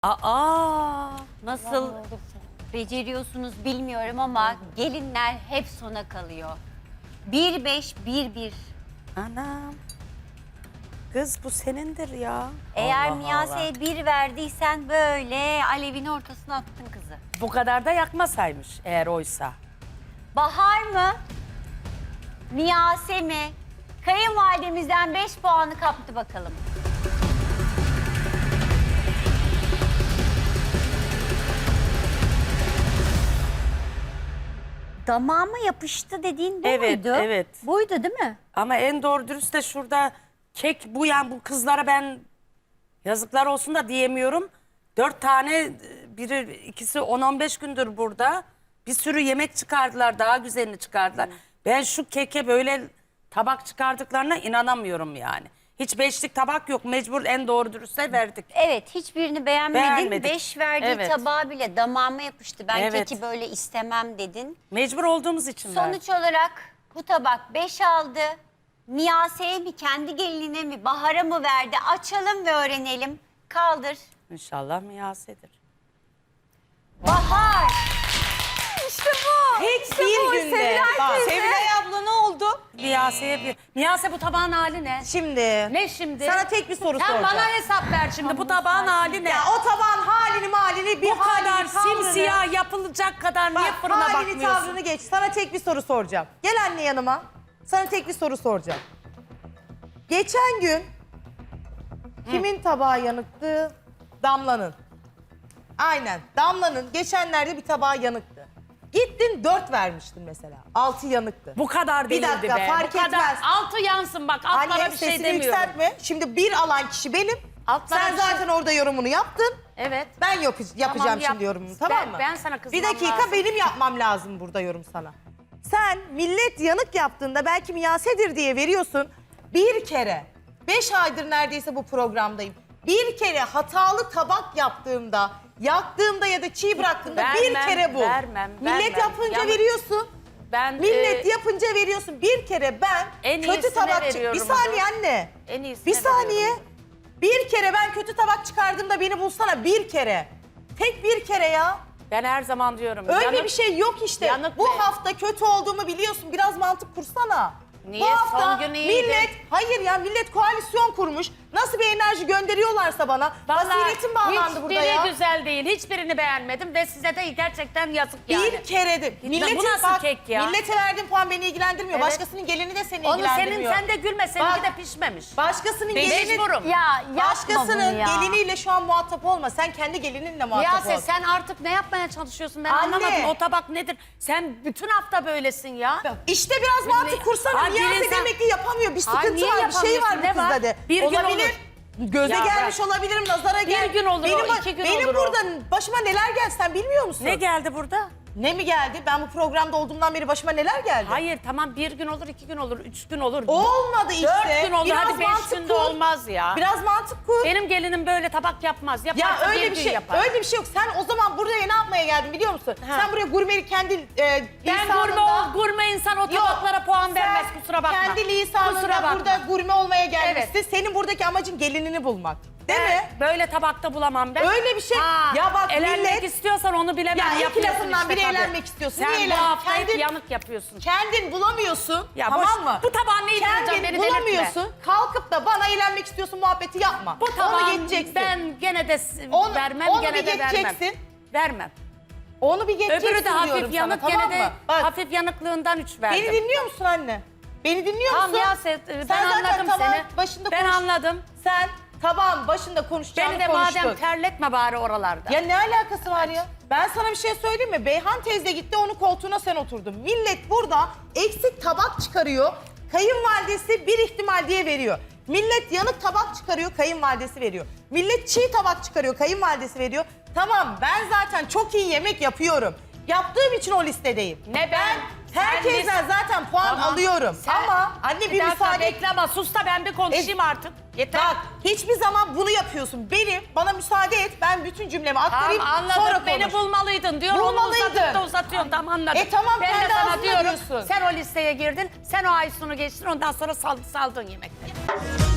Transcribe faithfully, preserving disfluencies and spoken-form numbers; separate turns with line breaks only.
Aa, nasıl beceriyorsunuz bilmiyorum ama gelinler hep sona kalıyor. Bir beş, bir bir.
Anam. Kız bu senindir ya.
Eğer
Allah
Miyase'ye bir verdiysen böyle alevin ortasına attın kızı.
Bu kadar da yakmasaymış eğer oysa.
Bahar mı? Miyase mi? Kayınvalidemizden beş puanı kaptı bakalım. Damağıma yapıştı dediğin bu
Evet,
muydu?
evet.
Buydu değil mi?
Ama en doğru dürüst de şurada kek bu, yani bu kızlara ben yazıklar olsun da diyemiyorum. Dört tane, biri ikisi on on beş gündür burada. Bir sürü yemek çıkardılar, daha güzelini çıkardılar. Ben şu keke böyle tabak çıkardıklarına inanamıyorum yani. Hiç beşlik tabak yok, mecbur en doğru dürüste verdik.
Evet, hiçbirini beğenmedin.
Beğenmedik.
Beş verdiği
Evet.
tabağı bile damağıma yapıştı. Ben
Evet.
keki böyle istemem dedin.
Mecbur olduğumuz için verdik.
Sonuç olarak bu tabak beş aldı. Miyase'ye mi, kendi gelinine mi, Bahar'a mı verdi? Açalım ve öğrenelim. Kaldır.
İnşallah Miyase'dir.
Bahar!
İşte bu.
Hiç
İşte
bir
bu.
günde.
Sevilay
Bak,
teyze.
Sevilay abla ne oldu?
Miyase'ye bir... Miyase bu tabağın hali ne?
Şimdi.
Ne şimdi?
Sana tek bir soru
Sen
soracağım.
bana hesap ver şimdi, bu tabağın hali ne?
Ya o tabağın halini malini bir
Bu kadar
halini, tavrını-
simsiyah yapılacak kadar niye
Bak,
fırına
halini
bakmıyorsun?
tavrını geç. Sana tek bir soru soracağım. Gel anne yanıma. Sana tek bir soru soracağım. Geçen gün kimin tabağı yanıktı? Damla'nın. Aynen. Damla'nın geçenlerde bir tabağı yanıktı. Gittin dört vermiştin mesela. Altı yanıktı.
Bu kadar
Bir
değildi
dakika,
be.
fark
Bu kadar.
etmez.
Altı yansın bak, altlara
Anne
bir şey
sesini
demiyorum.
yükseltme. Şimdi bir alan kişi benim.
Altlara
Sen
bir şey-
zaten orada yorumunu yaptın.
Evet.
Ben yap yapacağım
Tamam, yap.
şimdi yorumumu, tamam
Ben-
mı?
ben sana kızmam
Bir dakika
lazım.
benim yapmam lazım burada yorum sana. Sen millet yanık yaptığında belki Miyase'dir diye veriyorsun. Bir kere, beş aydır neredeyse bu programdayım. Bir kere hatalı tabak yaptığımda, yaktığımda ya da çiğ bıraktığımda bir
Vermem,
kere bu.
vermem,
Millet
vermem.
yapınca
Yanık-
veriyorsun.
Ben
Millet
e,
yapınca veriyorsun. Bir kere ben
En
kötü
iyisine
tabak çık-
veriyorum
Bir saniye
onu.
anne.
En iyisine
Bir saniye.
veriyorum.
Bir kere ben kötü tabak çıkardığımda beni bulsana bir kere. Tek bir kere ya.
ben her zaman diyorum.
Öyle
yanık-
bir şey yok işte.
yanık
Bu
be.
hafta kötü olduğumu biliyorsun. Biraz mantık kursana.
Niye?
Bu hafta
Son gün iyiydi.
millet, hayır ya millet koalisyon kurmuş. Nasıl bir enerji gönderiyorlarsa bana.
Vallahi
Basiretim bağlandı burada
hiçbiri
ya.
güzel değil. Hiçbirini beğenmedim ve size de gerçekten yazık yani.
Bir kere de. Milletin,
bu nasıl
bak,
kek ya?
Millete verdiğin puan beni ilgilendirmiyor.
Evet.
Başkasının gelini de seni
Onu senin,
ilgilendirmiyor.
sen de gülme, seninki
Bak,
de pişmemiş.
Başkasının
Ben
gelini...
mecburum.
Ya yapma
Başkasının
bunu ya.
geliniyle şu an muhatap olma. Sen kendi gelininle muhatap
Miyase
ol.
sen artık ne yapmaya çalışıyorsun, ben
Anne.
anlamadım. O tabak nedir? Sen bütün hafta böylesin ya.
İşte biraz mantık kursana.
Hayır,
Miyase
insan-
demek ki yapamıyor. Bir
Hayır,
sıkıntı
niye
var, bir şey var
yapamıyorsun?
bu
Ne
kızda
var?
de.
Bir gün
Olabilir.
olur.
Göze
Ya
gelmiş
bırak.
olabilirim, nazara gel.
gün olur o,
benim,
iki gün
benim
olur o.
burada başıma neler geldi sen bilmiyor musun?
Ne geldi burada?
Ne mi geldi? Ben bu programda olduğumdan beri başıma neler geldi?
Hayır tamam, bir gün olur, iki gün olur, üç gün olur.
Olmadı işte.
Dört gün olur,
Biraz
hadi beş
mantık
günde
kur.
olmaz ya.
Biraz mantık kur.
Benim gelinim böyle tabak yapmaz.
Ya
Yaparsa
öyle bir
gün
şey,
yapar.
öyle bir şey yok. Sen o zaman buraya ne yapmaya geldin biliyor musun?
Ha.
Sen buraya gurmelik kendi e,
Ben
lisanında-
gurme, ol, gurme insan o tabaklara
Yok,
puan vermez,
sen
kusura bakma.
kendi lisanında
Kusura bakma.
burada gurme olmaya gelmişsin. Senin buradaki amacın gelinini bulmak. Değil
Ben
mi?
Böyle tabakta bulamam ben.
Öyle bir şey-
Ha,
Ya bak
elenmek
millet-
istiyorsan onu bilemem.
Ya iki
yapıyorsun
lafından
işte
biri
tabii.
elenmek istiyorsun.
Sen
Niye
bu
elen-
hafta hep
Kendin-
yanık yapıyorsun.
Kendin bulamıyorsun.
Ya
tamam
boş-
mı?
bu tabağın neyi vereceğim,
Kendin
beni
bulamıyorsun.
delirtme.
Kalkıp da bana eğlenmek istiyorsun muhabbeti yapma.
Bu
Onu
tabağın
geçeceksin.
ben gene de s-
Onu-
vermem,
onu
gene
bir
de vermem.
geçeceksin.
Vermem.
Onu bir geçeceksin
Öbürü de
diyorum
hafif yanık,
sana,
gene
tamam
de
mı? Bak,
hafif yanıklığından üç verdim.
beni dinliyor musun anne? Beni dinliyor
Tamam
musun?
ya Set, ben
Sen zaten
anladım
tabağın
seni.
başında
Ben
konuş-
anladım.
Sen tabağın başında konuşacağını
Beni de
konuştun.
madem terletme bari oralarda.
Ya ne alakası var ya? Ben sana bir şey söyleyeyim mi? Beyhan teyze gitti, onun koltuğuna sen oturdun. Millet burada eksik tabak çıkarıyor. Kayınvalidesi bir ihtimal diye veriyor. Millet yanık tabak çıkarıyor, kayınvalidesi veriyor. Millet çiğ tabak çıkarıyor, kayınvalidesi veriyor. Tamam, ben zaten çok iyi yemek yapıyorum. Yaptığım için o listedeyim.
Ne ben?
Herkesten zaten puan
Tamam.
alıyorum.
Sen-
Ama anne bir,
dakika
müsaade...
bekle ama sus da ben bir konuşayım
E,
artık. Yeter.
Bak, hiçbir zaman bunu yapıyorsun. Benim, bana müsaade et, ben bütün cümlemi aktarayım,
Tamam anladım,
sonra
beni
konuş.
bulmalıydın diyor.
Bulmalıydım.
Onu uzatıp da uzatıyorsun, tamam anladım.
E tamam,
ben de
kendi
sana
ağzınla
diyorum,
diyorsun.
sen o listeye girdin, sen o Aysun'u geçtin, ondan sonra sal, saldın yemekleri.